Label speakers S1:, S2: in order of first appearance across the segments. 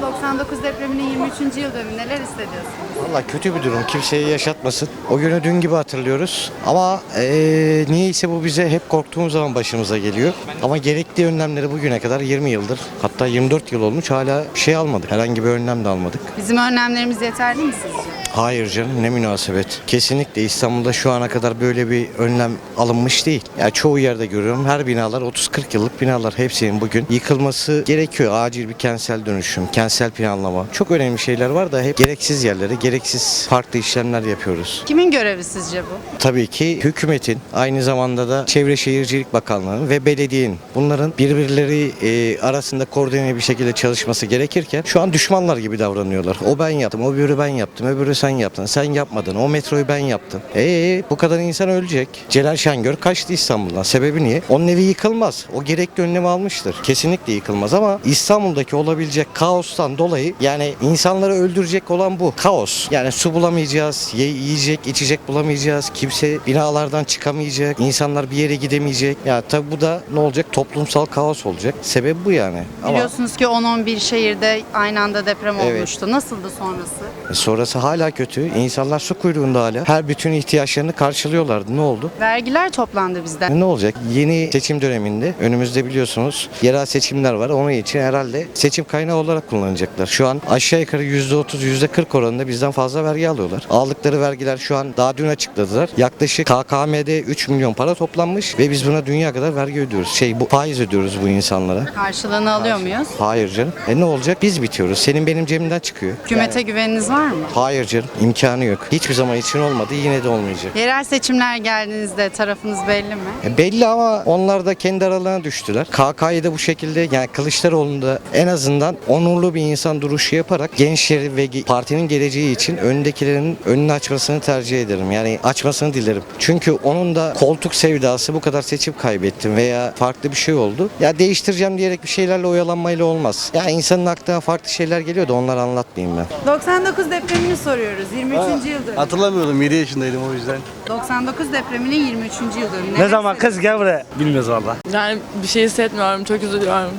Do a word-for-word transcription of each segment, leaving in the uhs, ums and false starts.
S1: doksan dokuz depreminin yirmi üçüncü yıl dönümü, neler hissediyorsunuz?
S2: Valla kötü bir durum. Kimseye yaşatmasın. O günü dün gibi hatırlıyoruz. Ama eee niyeyse bu bize hep korktuğumuz zaman başımıza geliyor. Ama gerekli önlemleri bugüne kadar yirmi yıldır, hatta yirmi dört yıl olmuş, hala bir şey almadık. Herhangi bir önlem de almadık.
S1: Bizim önlemlerimiz yeterli mi sizce?
S2: Hayır canım, ne münasebet. Kesinlikle İstanbul'da şu ana kadar böyle bir önlem alınmış değil. Ya çoğu yerde görüyorum, her binalar otuz kırk yıllık binalar, hepsinin bugün yıkılması gerekiyor. Acil bir kentsel dönüşüm, kentsel planlama. Çok önemli şeyler var da hep gereksiz yerlere, gereksiz farklı işlemler yapıyoruz.
S1: Kimin görevi sizce bu?
S2: Tabii ki hükümetin, aynı zamanda da Çevre Şehircilik Bakanlığı'nın ve belediyenin, bunların birbirleri e, arasında koordine bir şekilde çalışması gerekirken şu an düşmanlar gibi davranıyorlar. O ben yaptım, o öbürü ben yaptım, öbürü sen yaptın, sen yapmadın, o metroyu ben yaptım. Eee bu kadar insan ölecek. Celal Şengör kaçtı İstanbul'dan. Sebebi niye? Onun evi yıkılmaz. O gerekli önlemi almıştır. Kesinlikle yıkılmaz ama İstanbul'daki olabilecek kaostan dolayı, yani insanları öldürecek olan bu. Kaos. Yani su bulamayacağız, ye- yiyecek, içecek bulamayacağız. Kimse binalardan çıkamayacak. İnsanlar bir yere gidemeyecek. Ya tabi bu da ne olacak? Toplumsal kaos olacak. Sebebi bu yani. Ama
S1: Biliyorsunuz ki on on bir şehirde aynı anda deprem
S2: Evet.
S1: olmuştu. Nasıldı sonrası?
S2: sonrası hala kötü. İnsanlar su kuyruğunda hala. Her bütün ihtiyaçlarını karşılıyorlardı. Ne oldu?
S1: Vergiler toplandı bizden.
S2: Ne olacak? Yeni seçim döneminde önümüzde biliyorsunuz yerel seçimler var. Onun için herhalde seçim kaynağı olarak kullanacaklar. Şu an aşağı yukarı yüzde otuz yüzde kırk oranında bizden fazla vergi alıyorlar. Aldıkları vergiler şu an daha dün açıkladılar. Yaklaşık K K M'de üç milyon para toplanmış ve biz buna dünya kadar vergi ödüyoruz. Şey bu faiz ödüyoruz bu insanlara.
S1: Karşılığını alıyor muyuz?
S2: Hayır canım. E ne olacak? Biz bitiyoruz. Senin benim cebimden çıkıyor.
S1: Hükümete güveniniz var mı?
S2: Hayır canım. İmkanı yok. Hiçbir zaman için olmadı. Yine de olmayacak.
S1: Yerel seçimler geldiğinizde tarafınız belli mi?
S2: E belli ama onlar da kendi aralarına düştüler. K K'yı da bu şekilde, yani Kılıçdaroğlu'nda en azından onurlu bir insan duruşu yaparak gençleri ve ge- partinin geleceği için öndekilerin önünü açmasını tercih ederim. Yani açmasını dilerim. Çünkü onun da koltuk sevdası, bu kadar seçim kaybettim veya farklı bir şey oldu. Ya değiştireceğim diyerek bir şeylerle oyalanmayla olmaz. Ya insanın aklına farklı şeyler geliyor da onları anlatmayayım ben.
S1: doksan dokuz depremini soruyoruz. yirmi üçüncü yıl dönümü.
S3: Hatırlamıyordum, yedi yaşındaydım o yüzden.
S1: doksan dokuz depreminin yirmi üçüncü yıl dönümü.
S3: Ne zaman kız gel buraya? Bilmiyoruz valla.
S4: Yani bir şey hissetmiyorum, çok üzülüyorum.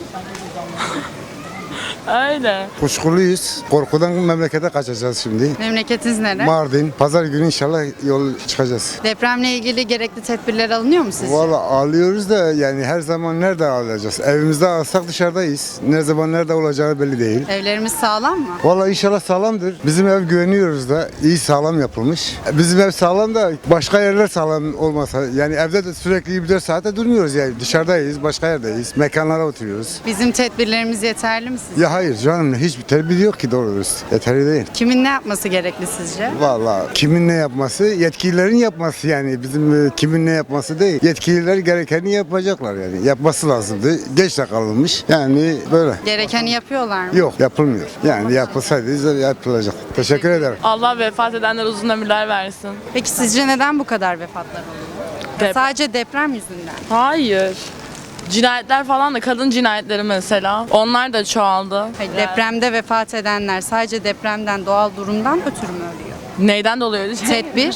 S4: Öyle.
S5: Kuşkuluyuz. Korkudan memlekete kaçacağız şimdi.
S1: Memleketiniz nere?
S5: Mardin. Pazar günü inşallah yol çıkacağız.
S1: Depremle ilgili gerekli tedbirler alınıyor mu sizce?
S5: Valla ağlıyoruz da yani her zaman nerede ağlayacağız? Evimizde alsak dışarıdayız. Ne zaman nerede olacağı belli değil.
S1: Evlerimiz sağlam mı?
S5: Valla inşallah sağlamdır. Bizim ev güveniyoruz da iyi sağlam yapılmış. Bizim ev sağlam da başka yerler sağlam olmasa, yani evde de sürekli yirmi dört saate durmuyoruz yani, dışarıdayız, başka yerdeyiz, mekanlara oturuyoruz.
S1: Bizim tedbirlerimiz yeterli mi sizce?
S5: Ya hayır canım, hiçbir tedbir yok ki doğru dürüst. Yeterli değil.
S1: Kimin ne yapması gerekli sizce?
S5: Valla kimin ne yapması? Yetkililerin yapması yani. Bizim e, kimin ne yapması değil. Yetkililer gerekeni yapacaklar yani. Yapması lazımdı. Geç de kalınmış. Yani böyle.
S1: Gerekeni yapıyorlar mı?
S5: Yok, yapılmıyor. Yani yapılsaydı yapılacak. Teşekkür ederim.
S4: Allah vefat edenler uzun ömürler versin.
S1: Peki sizce neden bu kadar vefatlar oluyor?
S4: Dep-
S1: Sadece deprem yüzünden.
S4: Hayır. Cinayetler falan da, kadın cinayetleri mesela. Onlar da çoğaldı.
S1: Hayır,
S4: Yani
S1: depremde vefat edenler sadece depremden, doğal durumdan ötürü mü ölüyor?
S4: Neyden dolayı?
S1: Tedbir,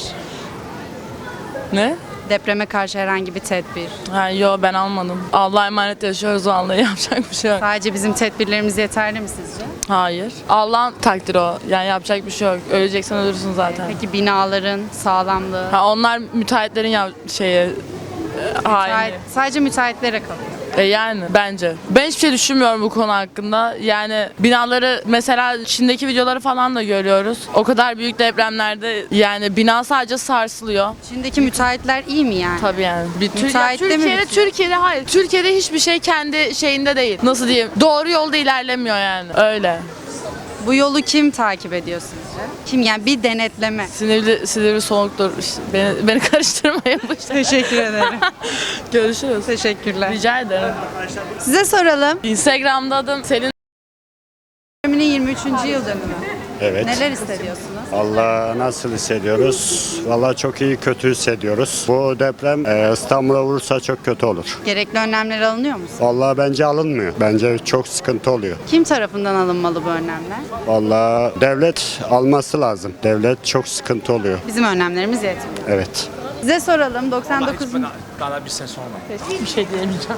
S4: Ne?
S1: depreme karşı herhangi bir tedbir.
S4: Ha, yo ben almadım. Allah'a emanet yaşıyoruz vallahi, yapacak bir şey yok.
S1: Sadece bizim tedbirlerimiz yeterli mi sizce?
S4: Hayır. Allah'ın takdiri o. Yani yapacak bir şey yok. Öleceksen ölürsün zaten.
S1: Peki binaların sağlamlığı?
S4: Ha, onlar müteahhitlerin ya şeye e, haini.
S1: Müteahhit- sadece müteahhitlere kalıyor.
S4: E yani bence. Ben hiçbir şey düşünmüyorum bu konu hakkında. Yani binaları mesela Çin'deki videoları falan da görüyoruz. O kadar büyük depremlerde yani bina sadece sarsılıyor.
S1: Şimdiki müteahhitler iyi mi yani?
S4: Tabii yani. Bir Tür-
S1: Müteahhit
S4: ya
S1: de mi
S4: Türkiye'de
S1: bitiyor?
S4: Türkiye'de hayır. Türkiye'de hiçbir şey kendi şeyinde değil. Nasıl diyeyim? Doğru yolda ilerlemiyor yani. Öyle.
S1: Bu yolu kim takip ediyor sizce? Kim yani bir denetleme?
S4: Sinirli sinirli soğuktur. İşte beni beni karıştırmayın bu işte.
S1: Teşekkür ederim.
S4: Görüşürüz.
S1: Teşekkürler.
S4: Rica ederim.
S1: Size soralım.
S4: Instagram'da adım Selin.
S1: Depremin yirmi üçüncü yıl dönümü.
S6: Evet.
S1: Neler hissediyorsunuz?
S6: Allah nasıl hissediyoruz? Vallahi çok iyi, kötü hissediyoruz. Bu deprem e, İstanbul'a vurursa çok kötü olur.
S1: Gerekli önlemler alınıyor mu?
S6: Vallahi bence alınmıyor. Bence çok sıkıntı oluyor.
S1: Kim tarafından alınmalı bu önlemler?
S6: Vallahi devlet alması lazım. Devlet çok sıkıntı oluyor.
S1: Bizim önlemlerimiz yetmiyor.
S6: Evet.
S1: Size soralım doksan dokuz
S7: Daha bir sene sonra.
S4: Bir şey diyemeyeceğim.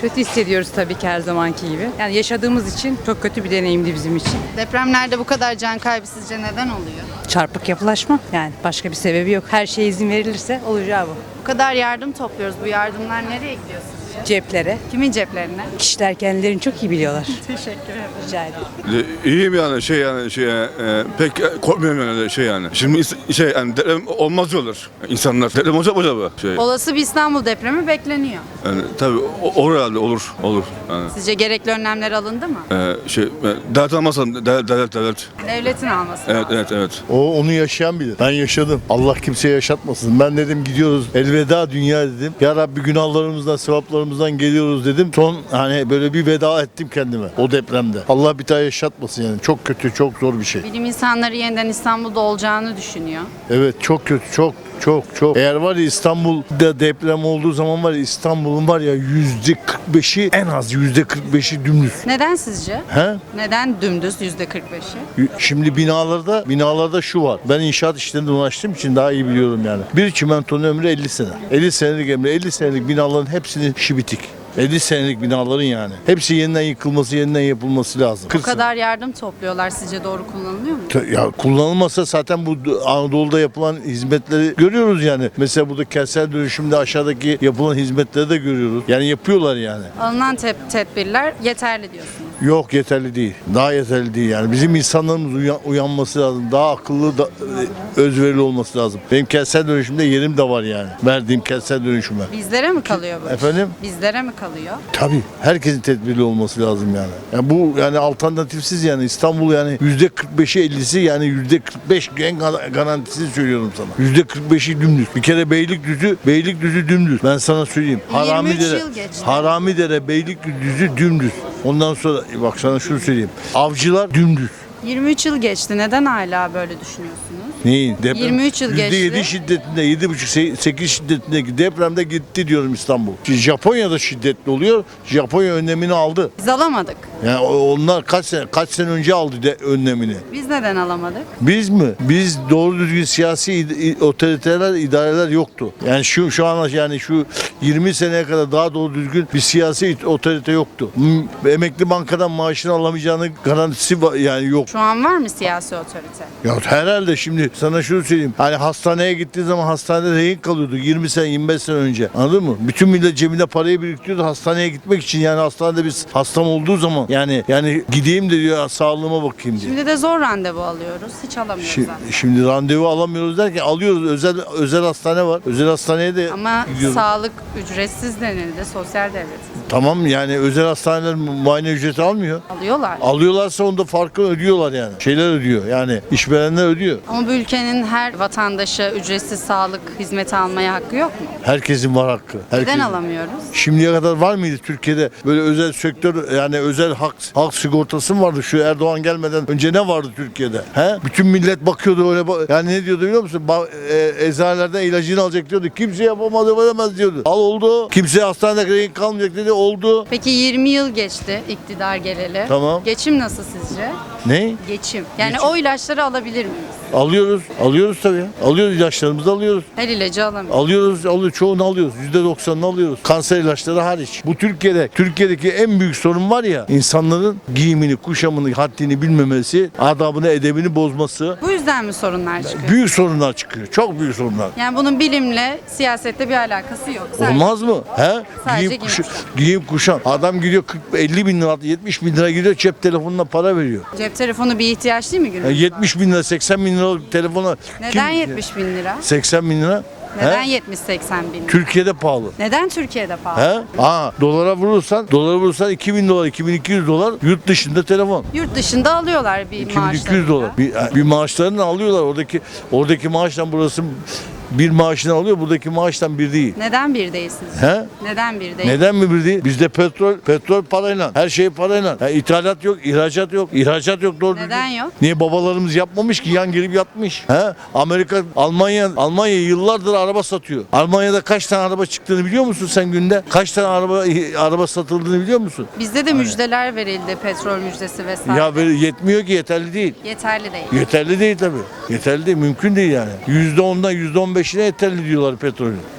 S7: Kötü hissediyoruz tabii ki her zamanki gibi. Yani yaşadığımız için çok kötü bir deneyimdi bizim için.
S1: Depremlerde bu kadar can kaybı sizce neden oluyor?
S7: Çarpık yapılaşma yani başka bir sebebi yok. Her şeye izin verilirse olacağı bu.
S1: Bu kadar yardım topluyoruz. Bu yardımlar nereye gidiyor sizce?
S7: Ceplere.
S1: Kimin ceplerine?
S7: Kişiler kendilerini çok iyi biliyorlar.
S1: Teşekkür ederim.
S7: Rica ederim.
S8: İyiyim yani şey yani şey e, pek korkmuyorum yani şey yani. Şimdi is- şey yani deprem olmaz diyorlar insanlar. Deprem olacak mı acaba? Şey
S1: Olası bir İstanbul depremi bekleniyor.
S8: yani tabii o- olur herhalde olur olur yani.
S1: Sizce gerekli önlemler alındı mı?
S8: E, şey e, devlet almazsa devlet devlet devlet.
S1: Devletin alması
S8: Evet
S1: lazım.
S8: evet evet.
S9: O onu yaşayan bilir. Ben yaşadım. Allah kimseye yaşatmasın. Ben dedim gidiyoruz. Elveda dünya dedim. Ya Rabbi günahlarımızdan, sevaplarımızdan geliyoruz dedim. Son hani böyle bir veda ettim kendime o depremde. Allah bir daha yaşatmasın yani. Çok kötü, çok zor bir şey.
S1: Bilim insanları yeniden İstanbul'da olacağını düşünüyor.
S9: Evet çok kötü, çok çok çok. Eğer var ya İstanbul'da deprem olduğu zaman var ya İstanbul'un var ya yüzde kırk beşi en az yüzde kırk beşi dümdüz.
S1: Neden sizce?
S9: He?
S1: Neden dümdüz yüzde kırk beşi?
S9: Şimdi binalarda binalarda şu var. Ben inşaat işlerinde uğraştığım için daha iyi biliyorum yani. Bir çimentonun ömrü elli sene. elli senelik ömrü. elli senelik binaların hepsinin işi bitik. elli senelik binaların yani. Hepsi yeniden yıkılması, yeniden yapılması lazım.
S1: Bu kadar yardım topluyorlar. Sizce doğru kullanılıyor mu?
S9: Te- Ya kullanılmasa zaten bu Anadolu'da yapılan hizmetleri görüyoruz yani. Mesela burada kentsel dönüşümde aşağıdaki yapılan hizmetleri de görüyoruz. Yani yapıyorlar yani.
S1: Alınan tep- tedbirler yeterli diyorsunuz.
S9: Yok yeterli değil. Daha yeterli değil yani. Bizim insanlarımız uyan- uyanması lazım. Daha akıllı, da, e, özverili olması lazım. Benim kentsel dönüşümde yerim de var yani. Verdiğim kentsel dönüşüme.
S1: Bizlere mi kalıyor bu? iş?
S9: Efendim?
S1: Bizlere mi kalıyor?
S9: Tabii. Herkesin tedbirli olması lazım yani. yani bu yani alternatifsiz yani İstanbul yani yüzde kırk beşi ellisi yani yüzde kırk beş en gar- garantisini söylüyorum sana. Yüzde kırk beşi dümdüz. Bir kere Beylikdüzü, Beylikdüzü dümdüz. Ben sana söyleyeyim.
S1: yirmi üç
S9: Haramidere,
S1: yıl geçti.
S9: Haramidere, Beylikdüzü dümdüz. Ondan sonra bak sana şunu söyleyeyim. Avcılar dümdüz.
S1: yirmi üç yıl geçti. Neden hala böyle düşünüyorsunuz?
S9: Neyin? Deprem,
S1: yirmi üç yıl
S9: yüzde yedi
S1: geçti.
S9: şiddetinde, yedi buçuk sekiz şiddetindeki depremde gitti diyorum İstanbul. Şimdi Japonya'da şiddetli oluyor. Japonya önlemini aldı.
S1: Biz alamadık.
S9: Yani o- onlar kaç sene kaç sene önce aldı de önlemini.
S1: Biz neden alamadık?
S9: Biz mi? Biz doğru düzgün siyasi id- otoriteler, idareler yoktu. Yani şu şu an yani şu yirmi seneye kadar daha doğru düzgün bir siyasi otorite yoktu. M- Emekli bankadan maaşını alamayacağını garantisi va- yani yok.
S1: Şu an var mı siyasi otorite?
S9: Ya herhalde şimdi sana şunu söyleyeyim. Hani hastaneye gittiği zaman hastanede rehin kalıyordu yirmi sene yirmi beş sene önce. Anladın mı? Bütün millet cebinde parayı biriktiriyordu hastaneye gitmek için. Yani hastanede biz hastam olduğu zaman yani yani gideyim de diyor sağlığıma bakayım diye.
S1: Şimdi de zor randevu alıyoruz. Hiç alamıyoruz
S9: Şi-
S1: zaten.
S9: Şimdi randevu alamıyoruz derken alıyoruz. Özel özel hastane var. Özel hastaneye de
S1: Ama
S9: gidiyoruz.
S1: sağlık ücretsiz denildi. Sosyal devletiz.
S9: Tamam yani özel hastaneler mu- muayene ücreti almıyor.
S1: Alıyorlar.
S9: Alıyorlarsa onda farkı ödüyorlar yani. Şeyler ödüyor. Yani işverenler ödüyor.
S1: Ama bu ülkenin her vatandaşı ücretsiz sağlık hizmeti almaya hakkı yok mu?
S9: Herkesin var hakkı. Herkesin.
S1: Neden alamıyoruz?
S9: Şimdiye kadar var mıydı Türkiye'de böyle özel sektör yani özel hak halk sigortası mı vardı şu Erdoğan gelmeden önce ne vardı Türkiye'de? He? Bütün millet bakıyordu öyle ba- yani ne diyordu biliyor musun? Ba- e, eczanelerden ilacını alacak diyordu. Kimse yapamadı veremez diyordu. Al oldu. Kimse hastanede rehin kalmayacak dedi oldu.
S1: Peki yirmi yıl geçti iktidar geleli.
S9: Tamam.
S1: Geçim nasıl sizce?
S9: Ne?
S1: Geçim. Yani
S9: Geçim.
S1: o ilaçları alabilir miyiz?
S9: Alıyoruz. Alıyoruz tabii ya. Alıyoruz ilaçlarımızı alıyoruz.
S1: Her ilacı alamıyoruz.
S9: Alıyoruz, alıyoruz. Çoğunu alıyoruz. yüzde doksanını alıyoruz. Kanser ilaçları hariç. Bu Türkiye'de, Türkiye'deki en büyük sorun var ya, insanların giyimini, kuşamını, haddini bilmemesi, adabını, edebini bozması.
S1: Bu yüzden mi sorunlar çıkıyor?
S9: Büyük sorunlar çıkıyor. Çok büyük sorunlar.
S1: Yani bunun bilimle, siyasette bir alakası yok. Sadece
S9: Olmaz mı? He?
S1: Sadece
S9: Giyim,
S1: giyim
S9: kuşa- giyim kuşam. Adam gidiyor kırk elli bin lira, yetmiş bin lira gidiyor cep telefonuna para veriyor.
S1: Cep telefonu bir ihtiyaç değil mi günümüzde?
S9: Yani yetmiş bin lira, seksen bin lira telefona.
S1: Neden
S9: kim-
S1: yetmiş bin lira?
S9: seksen bin lira.
S1: Neden
S9: He?
S1: yetmiş seksen bin lira?
S9: Türkiye'de pahalı.
S1: Neden Türkiye'de pahalı?
S9: He? Aa, dolara vurursan, dolara vurursan iki bin dolar, iki bin iki yüz dolar yurt dışında telefon.
S1: Yurt dışında alıyorlar bir
S9: iki bin iki yüz
S1: maaşlarını.
S9: dolar. Bir, bir maaşlarını alıyorlar. Oradaki oradaki maaştan burası bir maaşını alıyor. Buradaki maaştan bir değil.
S1: Neden bir değilsiniz?
S9: He?
S1: Neden bir değil?
S9: Neden mi bir değil? Bizde petrol, petrol parayla, her şey parayla. Ya ithalat yok, ihracat yok, ihracat yok doğru
S1: Neden
S9: düzgün.
S1: yok?
S9: Niye babalarımız yapmamış ki yan gelip yatmış? He? Amerika, Almanya, Almanya yıllardır araba satıyor. Almanya'da kaç tane araba çıktığını biliyor musun sen günde? Kaç tane araba araba satıldığını biliyor musun?
S1: Bizde de müjdeler verildi, petrol müjdesi vesaire.
S9: Ya böyle yetmiyor ki yeterli değil.
S1: Yeterli değil.
S9: Yeterli değil tabii. Yeterli değil, mümkün değil yani. yüzde ondan yüzde on beşine yeterli diyorlar petrolün.